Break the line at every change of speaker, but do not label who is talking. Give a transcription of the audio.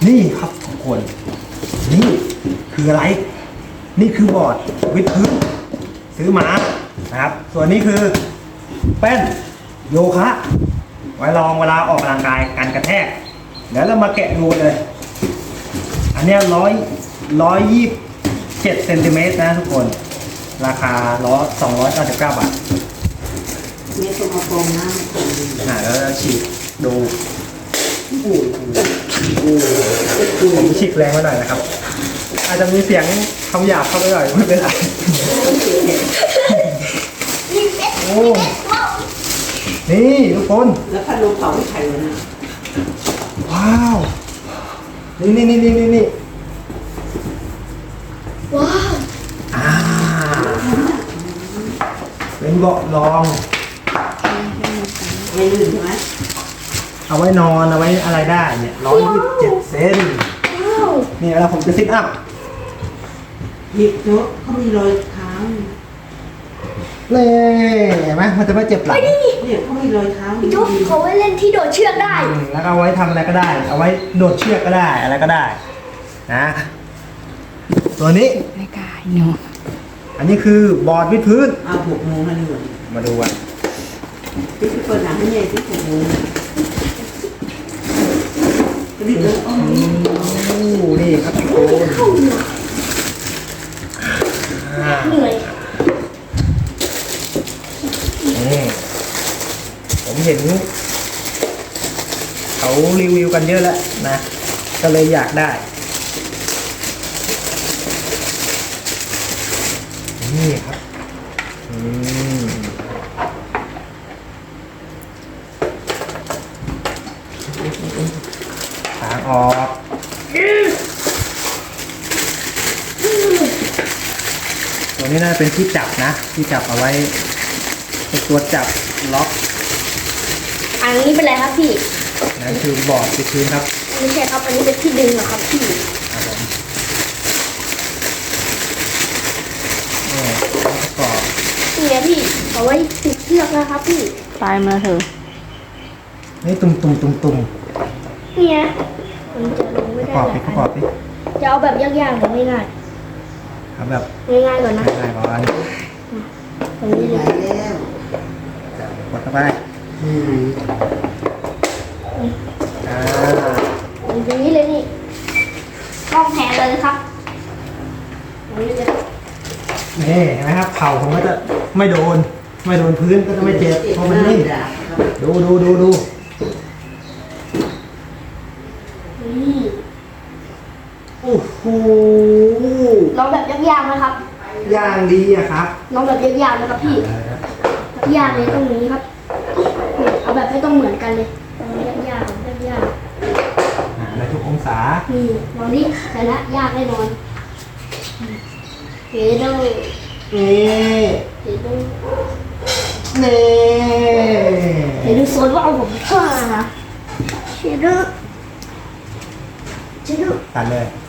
นี่ครับทุกคนนี่คืออะไรนี่คือบอร์ดวิดพื้นซื้อมานะครับส่วนนี้คือแป้นโยคะไว้ลองเวลาออกกำลังกายการกระแทกเดี๋ยวเรามาแกะดูเลยอันเนี้ย127 เซนติเมตรนะทุกคนราคา299 บาท
เมตรกระโปรงหน้า
แล้วเราฉีกดูผมฉีกแรงไว้หน่อยนะครับอาจจะมีเสียงคำหยาบเข้าไปหน่อยไม่เป็นไรโอ้นี่ทุกคน
แล้วพัดลมเป่าไม่ไข่เลยนะ
ว้าวนี่
ว้าว
เป็นเบาะรอง
ไม่ลื่นใช่ไหม
เอาไว้นอนเอาไว้อะไรได้เนี่ย127 เซนนี่แล้วผมจะซิทอัพ
หยิบเยอะเขามีรอยเท้า
เลยเห็นไหมมันจะไม่เจ็บหลัง
เนี่ยเขามีรอยเท้า
พี่จุ๊บเขาไว้เล่นที่โดดเชือกได้
แล้วก็เอาไว้ทำอะไรก็ได้เอาไว้โดดเชือกก็ได้อะไรก็ได้นะตัวนี้
ไม่กล้าหนู
อันนี้คือบอร์ดวิดพื้น
6 โมงแล้วนี่หว่า
มาดูกัน
พี่เปิดหนังให้ใหญ่ที่6 โมงนี่
ครับทุกคน
เหนื่อย
ผมเห็นเขารีวิวกันเยอะแล้วนะก็เลยอยากได้นี่ครับทางออกตัวนี้น่าจะเป็นที่จับนะที่จับเอาไว้เป็นตัวจับล็อก
อันนี้เป็นอะไรครับพี่
นั่นคือบอร์ดวิดพื้นครับ
ไม่ใช่ครับอันนี้เป็นที่ดึงเหรอครับพี่
ครับผมประกอบ
นี่ไงพี่เอาไว้ติดเชือกนะครับพี่
ตายมาเถอะ
นี่ตุ่ม
นี่ไงมันจะลงไม่ได้
ประกอบดิ
จะเอาแบบยากๆหรือไม่ง่าย
เอาแบบ
ง่ายๆก่อนนะ
ง่ายก่อน
ตรงนี้เลย
แล้ว
กดเข้าไป
อย่างนี้เลยนี่ต้องแทนเลยครับ
นี่เห็นไหมครับเข่าผมก็จะไม่โดนพื้นก็จะไม่เจ็บเพราะมันนิ่มดู
นี่
โอ้โห
ลองแบบยากๆนะครับ
ย่างดีอะครับ
ลองแบบยากๆนะครับพี่ยากเลยตรงนี้ครับเอาแบบไม่ต้องเหมือนกันเลยยาก
ในทุกองศา
นี่ลองดิแต่ละยากแน่นอนเฮ้ยดูโซนว่าเอาผมฆ่านะเฮ้ยดู
ตัดเลย